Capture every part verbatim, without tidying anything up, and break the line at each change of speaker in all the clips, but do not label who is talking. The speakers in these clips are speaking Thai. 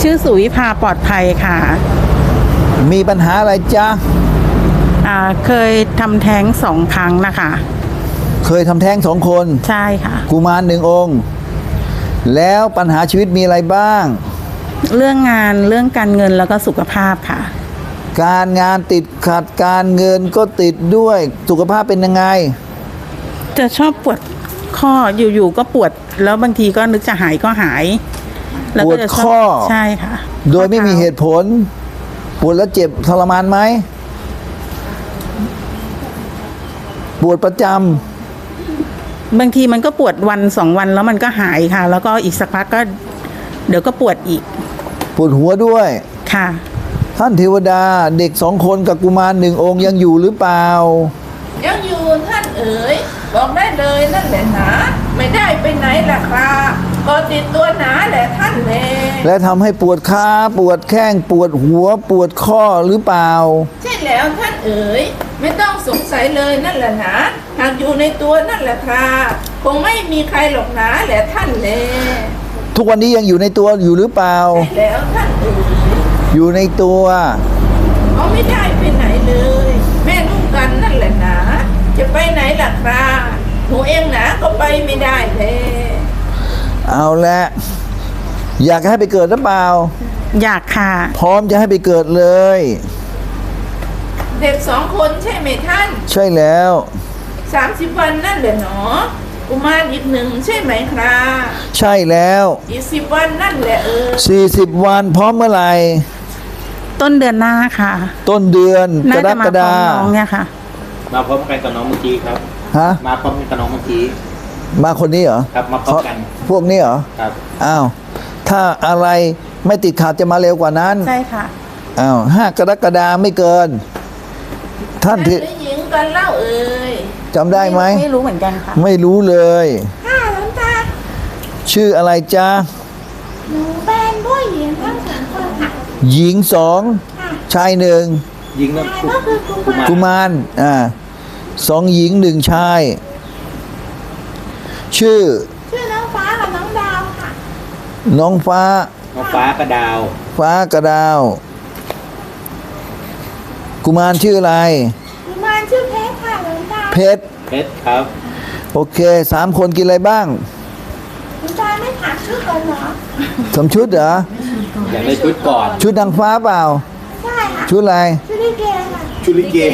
ชื่อสุวิภาปลอดภัยค่ะ
มีปัญหาอะไรจ๊ะ
อ่าเคยทำแท้งสองครั้งนะคะ
เคยทำแท้งสองคน
ใช่ค่ะ
กุมารหนึ่งองค์แล้วปัญหาชีวิตมีอะไรบ้าง
เรื่องงานเรื่องการเงินแล้วก็สุขภาพค่ะ
การงานติดขัดการเงินก็ติดด้วยสุขภาพเป็นยังไง
จะชอบปวดข้ออยู่ๆก็ปวดแล้วบางทีก็นึกจะหายก็หาย
ปวดข้อ
ใช่ค่ะ
โดยไม่มีเหตุผลปวดแล้วเจ็บทรมานไหมปวดประจ
ำบางทีมันก็ปวดวันสองวันแล้วมันก็หายค่ะแล้วก็อีกสักพักก็เดี๋ยวก็ปวดอีก
ปวดหัวด้วย
ค่ะ
ท่านเทวดาเด็กสองคนกับกุมารหนึ่งองค์ยังอยู่หรือเปล่า
ยังอยู่ท่านเอ๋ยบอกได้เลยนั่นแหละหนาไม่ได้ไปไหนล่ะครับก็ติดตัวหนาแหละท่านแล
และทำให้ปวดขาปวดแข้งปวดหัวปวดข้อหรือเปล่า
ใช่แล้วท่านเอ๋ยไม่ต้องสงสัยเลยนั่นแหละหนาหากอยู่ในตัวนั่นแหละครับคงไม่มีใครหรอกหนาแหละท่านแล
ทุกวันนี้ยังอยู่ในตัวอยู่หรือเปล่า
ใช่แล้วท่านเอ๋ย
อยู่ในตัว
เขาไม่ได้ไปไหนเลยแม่ลูกกันนั่นแหละหนาจะไปไหนล่ะครับหนูเองหนาก็ไปไม่ได้เลย
เอาละอยากให้ไปเกิดหรือเปล่า
อยากค่ะ
พร้อมจะให้ไปเกิดเลย
เด็กสองคนใช่ไหมท่าน
ใช่แล้ว
สามสิบวันนั่นแหละเนาะกุมารอีกหนึ่งใช่ไหมครับ
ใช่แล้ว
อีกสิบวันนั่นแหละเออ
สี่สิบวันพร้อมเมื่อไหร่
ต้นเดือนหน้าค่ะ
ต้นเดือนกรกฎาคม
น้องเนี่ยค่ะ
มาพร้อมกันกับน้องเมื่อกี้ครับ
ฮะ
มาพร้อมกันกับน้องเมื่อกี้
มาคนนี้เหรอ
ครับมาพร้อมกัน
พวกนี้เหรอ
ครับ
อ้าวถ้าอะไรไม่ติดขัดจะมาเร็วกว่านั้น
ใช่ค่ะ
อ้าวห้ากรกฎาคมไม่เกินท่านที่
หญิงกันเล่าเอ่ย
จำได้ไหม
ไม่รู้เหมือนกันค่ะ
ไม่รู้เลย
ค่ะหลวงตา
ชื่ออะไรจ๊ะ
หนูเป็นผู้หญิงทั้งสองคนค่ะ
หญิงสองชายหนึ่ง
หญิง
ก็คือ
กุมารอ่าสองหญิงหนึ่งชายชื่อ
ชื่อน้องฟ้ากับน้องดาวค่ะ
น้องฟ้า
น้องฟ้ากับดาว
ฟ้ากับดาวกุมารชื่ออะไร
กุมารชื่อเพชรค่ะหลวงตา
เพชร
เพชรครับ
โอเคสามคนกินอะไรบ้าง
หลวงตาไม่ถามชุดก่อนเหรอ
สมชุดเหรอ
อยากได้ชุดก่อน
ชุดนางฟ้าเปล่า
ใช่ค่ะ
ชุดอะไร
ชุดลิเกค่ะ
ชุดลิเก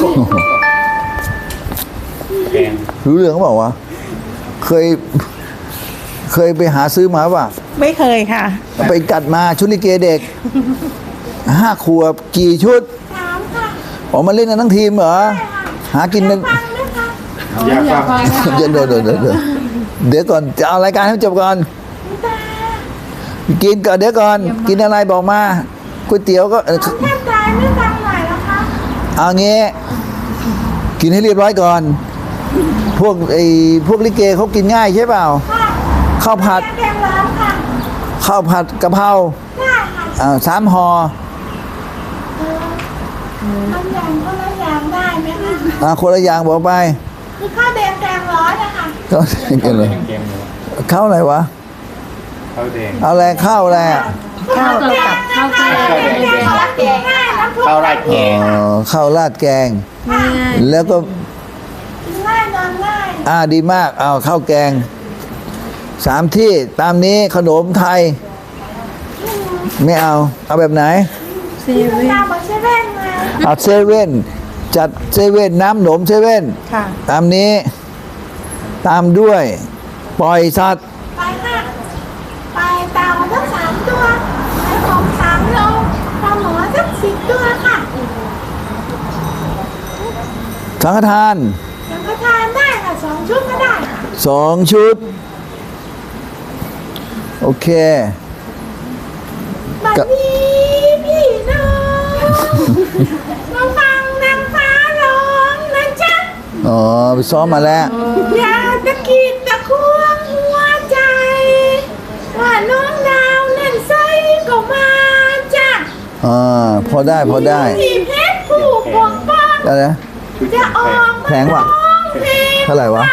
แกง
รู้เรื่องเปล่าวะเคยเคยไปหาซื้อมาป่ะ
ไม่เคยค่ะ
ไปจัดมาชุดลิเกเด็กห้าขวบกี่ชุด
สามค่ะ
ออกมาเล่นกันทั้งทีมเหรอหากินกัน
อยากฟัง
เดี๋ยวเดี๋ยวเดี๋ยวเดี๋ยวเดี๋ยวก่อนจะเอารายการให้จบก่อนกินก่อนเดี๋ยวก่อนกินอะไรบอกมาก๋วยเตี๋ยวก็
แค่ใจไม่ฟังหน่อยนะคะ
เอางี้กินให้เรียบร้อยก่อนพวกไอ้พวกลิเกเขากินง่ายใช่เปล่าข้าวผัดข้าวผัดกะเพราอ่าสามห่อ
ทำอย่างคนละอย่างได้ไหมคะ
อ่าคนละอย่างบอกไป
คือข้าวแดงแกงร้อนนะคะ
ข้าวแดงแกงร้อนข้าวอะไรวะ
ข้าวแดง
เอาอะไรข้าวอะไร
ข้าวกับข้าวแกง
ข้าวราดแกง
อ๋อข้าวราดแกงแล้วก็
ง่ายนอนง่าย
อ่าดีมากเอาข้าวแกงสามที่ตามนี้ขนมไทยไม่เอาเอาแบบไหน
เซเว่นเซเว่นไง
เอาเซเว่นจัดเซเว่นน้ำหนมเซเว่นตามนี้ตามด้วยปล่อยสัตว์
ไปค่ะไปเต่าทั้งสามตัวไปของสามโลปลาหมอทั้งสิบตัวค่ะ
สังฆทาน
สังฆทานได้ค่ะสองชุดก็ได้ค่ะ
สองชุดโอเค
บัดนี้พี่น้องมาฟังนางฟ้าร้องนะจ๊ะ
อ๋อไปซ้อมมาแล้ว
อย่าตะกิดตะควงหัวใจว่าน้องดาวนั่นใส่ก็มาจ้ะ
อ่าพอได้พอได้
ที่เพชรผู้ปกป้อง
อะไร
จะออก
แพงว่ะเท่าไหร่วะ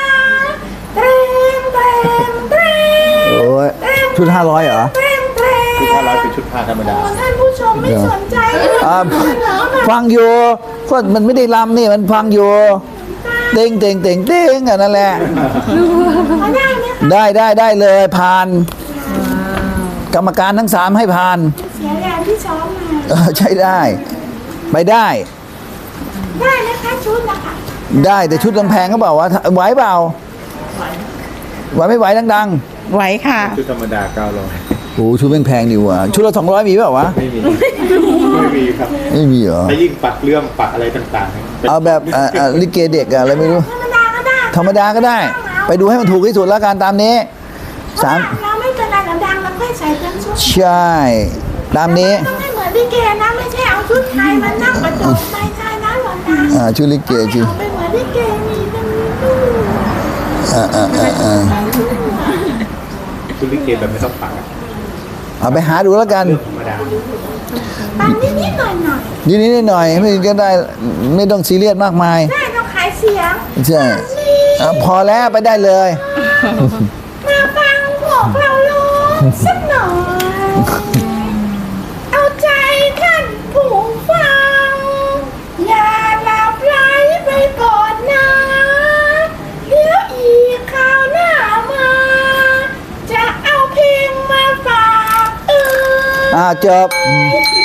เตรงเตรงเตรง
โอ้ยชุดห้าร้อยเหรอ
เตรงเตรง
ชุดผ้าร้อยเป็นชุดผ้าธรรมดา
ท่านผู้ชมไม่สนใจเลย
อ่า
เหรอแบบ
ฟังอยู่ก็มันไม่ได้ลำนี่มันฟังอยู่เต็งเต็งเต็งเต็งอ่ะนั่นแหละ
พอได้ไหมคะ
ได้ได้ได้เลยผ่าน กรรมการทั้งสามให้ผ่าน
เสียแรงที่ซ้อมมา
เออใช้ได้ ไปได้
ได้นะคะชุดนะคะ
ได้แต่ชุดลำแพงก็บอกว่าไหวเปล่าไหวไม่ไหวดัง
ไหวค่ะ
ชุดธรรมดาเก้าร้อย
ๆโอ้ชุดแพงๆดีว่ะชุดละสองร้อยมีเปล่าวะ
ไม่มี ไม่มีครับ
ไม่มีเหรอ
ถ้ายิ่งปักเรื่องปักอะไรต่างๆ
เอาแบบอ่าอ่าลิเกเด็กอะอะไรไม่รู้
ธรรมดาก็ได้
ธรรมดาก็ได้ ไปดูให้มันถูกที่สุดแล้วกันตามนี้สาม
เราไม่เป็นไรเราดังเราค่อยใส่เป็นชุด
ใช่ตามนี้
ต้องไม่เหมือนลิเกนะไม่ใช่เอาชุดไทยมานั่งประจบไปใช่นะหรอนะ
อ่าชุดลิเกชื่อ
เอาไปเหมือนลิเกมีตั้งมีตู้
อ่าอ่าอ่าอ่า
ชุดลิเกแบบไม่ต้องปักอะ
เอาไปหาดูแล้วกัน
เรื่องธรรมดา
ปังนิดๆหน่อยหน่อย
นิดนิดหน่อยๆไม่ก็ได้ไม่ต้องซีเรียสมากมาย
ๆได้ต้องขายเสียง
ใช่อ่ะพอแล้วไปได้เลย
มาฟังพวกเราร้องสักหน่อย เอาใจท่านผู้ฟัง อย่าหลับไหลไปก่อนนะเดี๋ยวอีกคราวหน้ามา จะเอาเพลงมาฝากเออ
อ่าจบ
เ